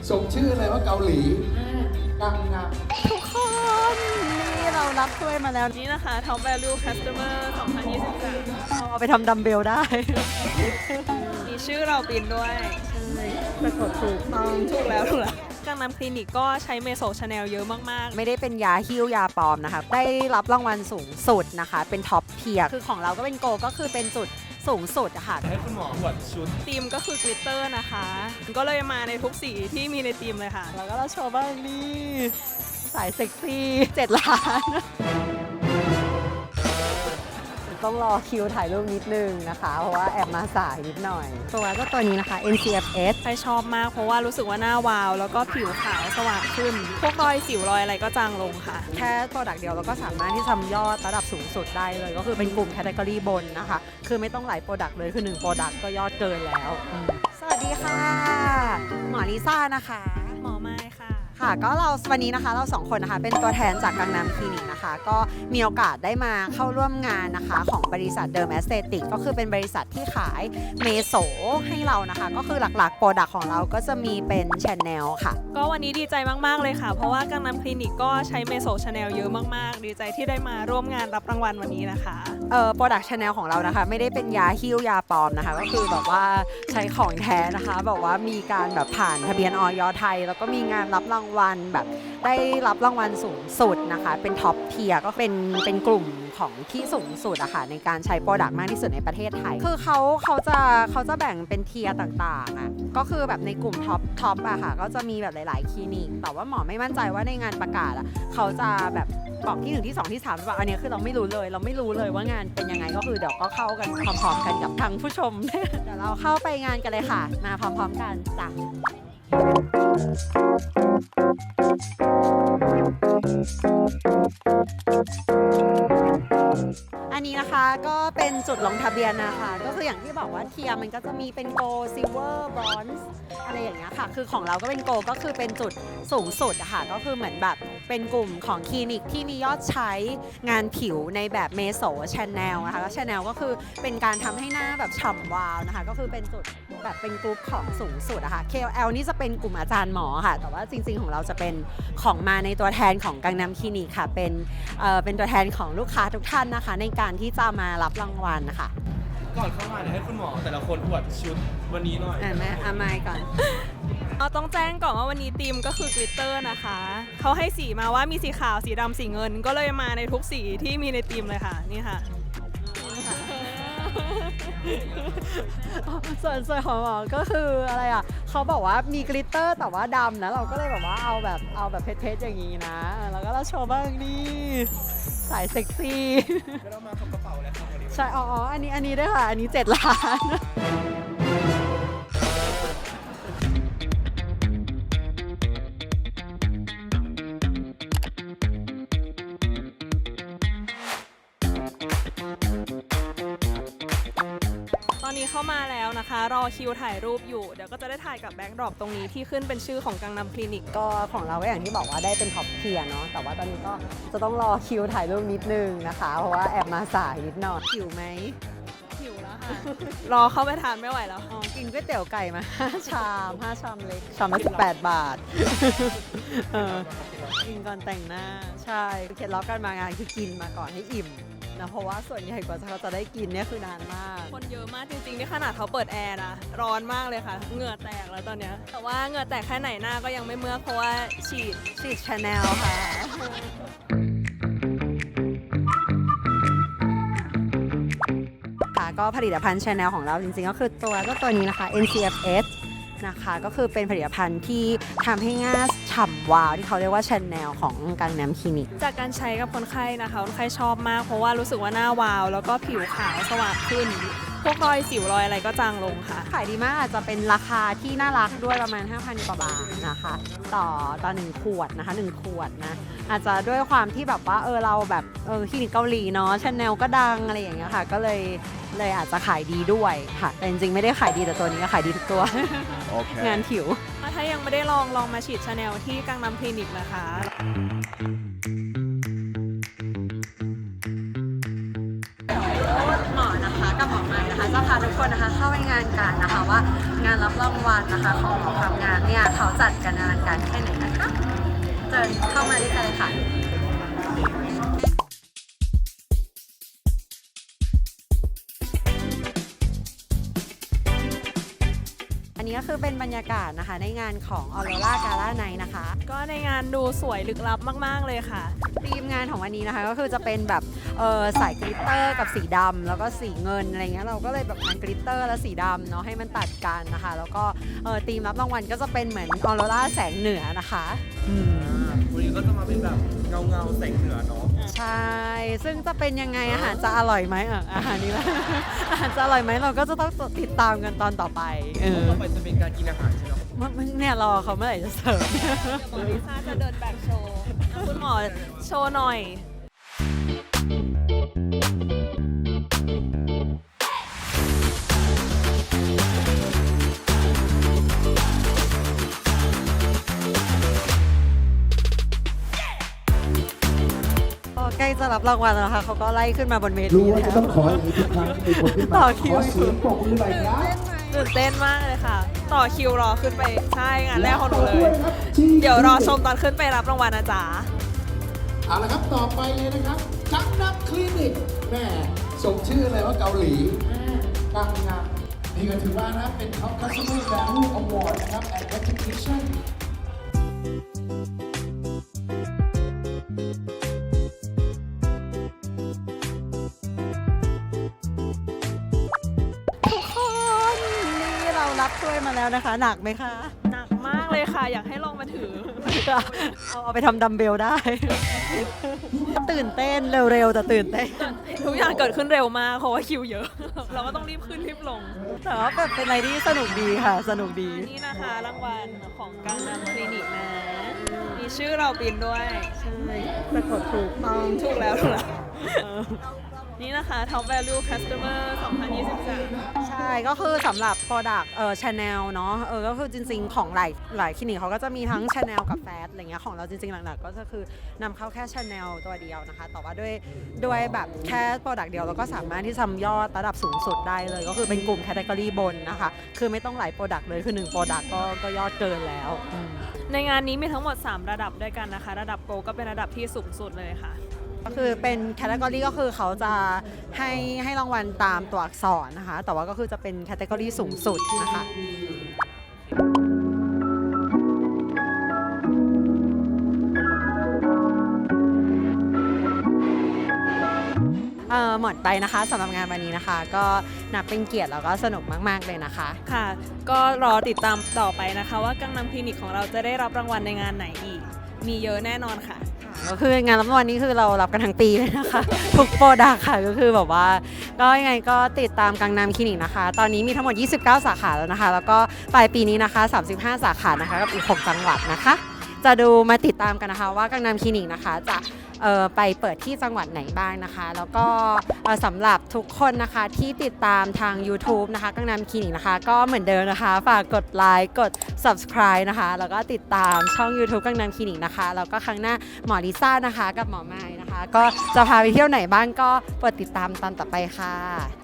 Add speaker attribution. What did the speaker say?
Speaker 1: สมชื่อเลยว่าเกาหลีกังนำ
Speaker 2: ทุกคนนี่เรารับถ้วยมาแล้ว
Speaker 3: นี่นะคะ Top Value Customer 2023
Speaker 2: เอาไปทำดัมเบลได้
Speaker 3: มีชื่อเราปินด้วย
Speaker 2: สะกดถูกต้อง
Speaker 3: ถูกแล้วกังนำคลินิกก็ใช้เมโซชาแนลเยอะมาก
Speaker 2: ไม่ได้เป็นยาฮิ้วยาปลอมนะคะได้รับรางวัลสูงสุดนะคะ เป็นท็อปเทียร์คือของเราก็เป็นโกก็คือเป็นจุดสูงสุดอะค่ะ
Speaker 4: ให้คุณหมออวดชุด
Speaker 3: ๆธีมก็คือกลิตเตอร์นะคะ ก็เลยมาในทุกสีที่มีในธีมเลยค่ะ
Speaker 2: แล้วก็เราโชว์บ้างนี่สายเซ็กซี่7 ล้าน ต้องรอคิวถ่ายรูปนิดนึงนะคะ เพราะว่าแอบมาสายนิดหน่อย ตัวก็ตัวนี้นะคะ NCFS
Speaker 3: ใครชอบมากเพราะว่ารู้สึกว่าหน้าวาว แล้วก็ผิวขาวสว่างขึ้น พวกรอยสิวรอยอะไรก็จางลงค่ะ
Speaker 2: แค่โปรดักต์เดียวเราก็สามารถที่ทำยอดระดับสูงสุดได้เลย ก็คือเป็นกลุ่มแคตตากรีบนนะคะ คือไม่ต้องหลายโปรดักต์เลยคือ1โปรดักต์ก็ยอดเกินแล้วสวัสดีค่ะ หมอลิซ่านะคะ
Speaker 3: หมอไม้ค่ะ
Speaker 2: ค่ะก็วันนี้นะคะเราสองคนนะคะเป็นตัวแทนจากกังนำคลินิกนะคะ ก็มีโอกาสได้มาเข้าร่วมงานนะคะของบริษัทเดิมแอสเตติกก็คือเป็นบริษัทที่ขายเมโสให้เรานะคะ ก็คือหลักๆโปรดักต์ของเราก็จะมีเป็นชาแนลค่ะ
Speaker 3: ก็วันนี้ดีใจมากๆเลยค่ะ เพราะว่ากังนำคลินิกก็ใช้เมโซชาแนลเยอะมากๆ ดีใจที่ได้มาร่วมงานรับรางวัลวันนี้นะคะ
Speaker 2: โปรดักต์ชาแนลของเรานะคะไม่ได้เป็นยาฮิ้วยาปลอมนะคะ ก็คือแบบว่าใช้ของแท้นะคะแบบว่ามีการแบบผ่านทะเบียนอย.ไทยแล้วก็มีงานรับรางวัลแบบได้รับรางวัลสูงสุดนะคะเป็นท็อปเทียร์ก็เป็นกลุ่มของที่สูงสุดอะค่ะในการใช้โปรดักต์มากที่สุดในประเทศไทยคือเขาจะแบ่งเป็นเทียร์ต่างๆอะก็คือแบบในกลุ่มท็อปอะค่ะก็จะมีแบบหลายๆคลินิกแต่ว่าหมอไม่มั่นใจว่าในงานประกาศอะเขาจะแบบบอกที่1ที่2ที่3หรือเปล่าอันนี้คือเราไม่รู้เลยว่างานเป็นยังไงก็คือเดี๋ยวก็เข้ากันพร้อมๆกันกับทางผู้ชม เดี๋ยวเราเข้าไปงานกันเลยค่ะมาพร้อมๆกันจ้ะอันนี้นะคะก็เป็นจุดลงทะเบียนนะคะก็คืออย่างที่บอกว่าเทียร์มันก็จะมีเป็นโกลด์ซิลเวอร์บรอนซ์อะไรอย่างเงี้ยค่ะคือของเราก็เป็นโกลก็คือเป็นจุดสูงสุดอะค่ะก็คือเหมือนแบบเป็นกลุ่มของคลินิกที่มียอดใช้งานผิวในแบบเมโสชาแนลนะคะแล้วชาแนลก็คือเป็นการทำให้หน้าแบบฉ่ำวาวนะคะก็คือเป็นจุดแบบเป็นกลุ่มของสูงสุดอะค่ะ KOL นี่จะเป็นกลุ่มอาจารย์หมอค่ะแต่ว่าจริงๆของเราจะเป็นของมาในตัวแทนของกังนำคลินิกค่ะเป็นตัวแทนของลูกค้าทุกท่านนะคะในการที่จะมารับรางวัลนะคะ
Speaker 4: ก่อนเข้ามาเดี๋ยวให้คุณหมอแต่ละคนอวดชุดวันนี้หน่อย
Speaker 2: แม่ไมค์ก่อน
Speaker 3: เราต้องแจ้งก่อนว่าวันนี้ธีมก็คือกลิตเตอร์นะคะ เขาให้สีมาว่ามีสีขาวสีดำสีเงิน ก็เลยมาในทุกสีที่มีในธีมเลยค่ะนี่ค่ะ
Speaker 2: ส่วนของหมอก็คืออะไรอ่ะเขาบอกว่ามีกลิตเตอร์แต่ว่าดำนะเราก็เลยแบบว่าเอาแบบเพชรๆอย่างนี้นะแล้วก็เราโชว์บ้างนี่สายเซ็กซี่
Speaker 4: ไม่ต้องมากับกระเป๋าเลยครับวันนี้
Speaker 2: ใช่อันนี้ด้วยค่ะอันนี้7 ล้าน
Speaker 3: ตอนนี้เข้ามาแล้วนะคะ รอคิวถ่ายรูปอยู่ เดี๋ยวก็จะได้ถ่ายกับแบ็คดรอปตรงนี้ที่ขึ้นเป็นชื่อของกังนำคลินิก
Speaker 2: ก็ของเราก็อย่างที่บอกว่าได้เป็นท็อปเทียร์เนาะแต่ว่าตอนนี้ก็จะต้องรอคิวถ่ายรูปนิดนึงนะคะ เพราะว่าแอบมาสายนิดหน่อยหิวไหม
Speaker 3: หิวแล้วค่ะ รอเข้าไปทานไม่ไหวแล้ว
Speaker 2: กินก๋วยเตี๋ยวไก่มา5 ชาม5 ชามเล็กชามละ18 บาท กินก่อนแต่งหน้าใช่เคล็ดลับการมางานคือกินมาก่อนให้อิ่มนะเพราะว่าส่วนใหญ่กว่าเขาจะได้กินเนี่ยคือนานมาก
Speaker 3: คนเยอะมากจริงๆนี่ขนาดเขาเปิดแอร์นะร้อนมากเลยค่ะ เหงื่อแตกแล้วตอนเนี้ยแต่ว่าเหงื่อแตกแค่ไหนหน้าก็ยังไม่เมื่อกเพราะว่าฉีด
Speaker 2: ชาแนลค่ะค่ะก็ผลิตภัณฑ์ชาแนลของเราจริงๆก็คือตัวนี้นะคะ NCFS นะคะก็คือเป็นผลิตภัณฑ์ที่ทำให้หน้าฉ่ำวาวที่เขาเรียกว่าชาแนลของกังนำคลินิก
Speaker 3: จากการใช้กับคนไข้นะคะคนไข้ชอบมากเพราะว่ารู้สึกว่าหน้าวาว แล้วก็ผิวขาวสว่างขึ้น พวกรอยสิวรอยอะไรก็จางลงค่ะ
Speaker 2: ขายดีมากอาจจะเป็นราคาที่น่ารักด้วยประมาณ 5,000 กว่าบาทนะคะต่อ1 ขวดนะคะ1 ขวดนะอาจจะด้วยความที่แบบว่าเราแบบคลินิกเกาหลีเนาะชาแนลก็ดังอะไรอย่างเงี้ยค่ะก็เลยอาจจะขายดีด้วยค่ะแต่จริงๆไม่ได้ขายดีแต่ตัวนี้ก็ขายดีทุกตัว
Speaker 4: Okay.
Speaker 2: งานผิว
Speaker 3: ถ้ายังไม่ได้ลองมาฉีดชาแนลที่กังนำคลินิกนะคะ
Speaker 2: หมอนะคะกับหมอไม้ม่นะคะจะพาทุกคนนะคะเข้าไปงานกันนะคะว่างานรับรางวัลนะคะของหมอทำงานเนี่ยเขาจัดกันอลังการแค่ไหนนะคะเชิญเข้ามาด้วยกันเลยค่ะ อันนี้ก็คือเป็นบรรยากาศนะคะในงานของ Aurora Gala Night นะคะ
Speaker 3: ก็ในงานดูสวยลึกลับมากๆเลยค่ะ
Speaker 2: ธีมงานของวันนี้นะคะก็คือจะเป็นแบบสายกลิตเตอร์กับสีดำแล้วก็สีเงินอะไรเงี้ยเราก็เลยแบบงานกลิตเตอร์และสีดำเนาะให้มันตัดกันนะคะแล้วก็ธีมรับรางวัลก็จะเป็นเหมือนออโรราแสงเหนือนะคะ
Speaker 4: วันนี้ก็จะมาเป็นแบบเงาแสงเหนือเนาะ
Speaker 2: ใช่ซึ่งจะเป็นยังไงอาหารจะอร่อยไหมอาหารนี้แหละ อาหารจะอร่อยไหมเราก็จะต้องติดตามกันตอนต่อไป
Speaker 4: ต่อไปจะเป็นการกินอาหารใช่ไหม
Speaker 2: เนี่ยรอเขาเมื่อไหร่จะเสิร์ฟ
Speaker 3: หมอลิซ่าจะเดินแบบโชว์คุณหมอโชว์หน่อย
Speaker 2: ใกล้จะรับรางวัลแล้วนะคะเขาก็ไล่ขึ้นมาบนเวที
Speaker 1: รู้ว่า
Speaker 2: แล้
Speaker 1: จะ
Speaker 2: ว
Speaker 1: ต้องขออย่างนี้ทุกครั้งมีคนขึ้น
Speaker 2: ต่
Speaker 1: มา
Speaker 2: อคิว
Speaker 1: ขอเสียงปรบมือหน่อยครับ
Speaker 3: ตื่นเต้นมากเลยค่ะ ต่อคิวรอขึ้นไปใช่งานแรกของหนูเลย
Speaker 1: ครับที่
Speaker 3: เดี๋ยวรอชมตอนขึ้นไปรับรางวัลนะจ๊ะ
Speaker 1: เอาละครับต่อไปเลยนะครับกังนัมคลินิกแม่ส่งชื่อเลยว่าเกาหลีกังนัมนี่ก็ถือว่านะเป็น Top Customer Value Award นะครับ and Recognition
Speaker 2: ทุกคนนี่เรารับถ้วยมาแล้วนะคะ หนักไหมคะ
Speaker 3: หนักมากเลยค่ะ อยากให้ลองมาถือ
Speaker 2: เอาไปทำดัมเบลได้ ตื่นเต้นเร็วๆแต่ตื่นเต้น
Speaker 3: ทุกอย่างเกิดขึ้นเร็วมากเพราะว่าคิวเยอะ เราก็ต้องรีบขึ้นรีบลง
Speaker 2: แต่ว่าแบบเป็นอะไรที่สนุกดีค่ะ สนุกดี
Speaker 3: นี่นะคะรางวัลของกังนัมคลินิกนะ มีชื่อเราปินด้วย
Speaker 2: ใช่สะกดถูกต้อง
Speaker 3: ถูกแล้วถูกแล้วนี่นะคะ Top Value Customer 2023
Speaker 2: ใช่ ก็คือสำหรับ Product Channel เนาะก็คือจริงๆ ของหลายคลินิกเขาก็จะมีทั้ง Channel กับ Fat อะไรเงี้ยของเราจริงๆ หลักๆ ก็จะคือนำเข้าแค่ Channel ตัวเดียวนะคะ แต่ว่าด้วยแบบแค่ Product เดียวเราก็สามารถที่ทำยอดระดับสูงสุดได้เลย ก็คือเป็นกลุ่ม Category บนนะคะ คือไม่ต้องหลาย Product เลยคือ1 Product ก็ยอดเกินแล้ว
Speaker 3: ในงานนี้มีทั้งหมด 3 ระดับด้วยกันนะคะ ระดับโกก็เป็นระดับที่สูงสุดเลยค่ะ
Speaker 2: ก็คือเป็นแคตตากรีก็คือเขาจะให้รางวัลตามตัวอักษรนะคะ แต่ว่าก็คือจะเป็นแคตตากรีสูงสุดนะคะหมดไปนะคะสำหรับงานวันนี้นะคะ ก็นับเป็นเกียรติแล้วก็สนุกมากๆเลยนะคะ
Speaker 3: ค่ะ ก็รอติดตามต่อไปนะคะ ว่ากังนัมคลินิกของเราจะได้รับรางวัลในงานไหนอีก มีเยอะแน่นอนค่ะ
Speaker 2: ก็คืองานรับรางวัลนี้คือเรารับกันทั้งปีเลยนะคะ ทุกโปรดักต์ค่ะก็คือแบบว่าก็ยังไงก็ติดตามกังนัมคลินิกนะคะ ตอนนี้มีทั้งหมด29 สาขาแล้วนะคะ แล้วก็ปลายปีนี้นะคะ35 สาขานะคะกับอีก6จังหวัดนะคะ จะดูมาติดตามกันนะคะว่ากังนัมคลินิกนะคะจะไปเปิดที่จังหวัดไหนบ้างนะคะ แล้วก็สำหรับทุกคนนะคะที่ติดตามทาง YouTube นะคะกังนัมคลินิกนะคะก็เหมือนเดิมนะคะฝากกดไลค์กด Subscribe นะคะแล้วก็ติดตามช่อง YouTube กังนัมคลินิกนะคะแล้วก็ครั้งหน้าหมอลิซ่านะคะกับหมอไม้นะคะก็จะพาไปเที่ยวไหนบ้างก็โปรดติดตามตอนต่อไปค่ะ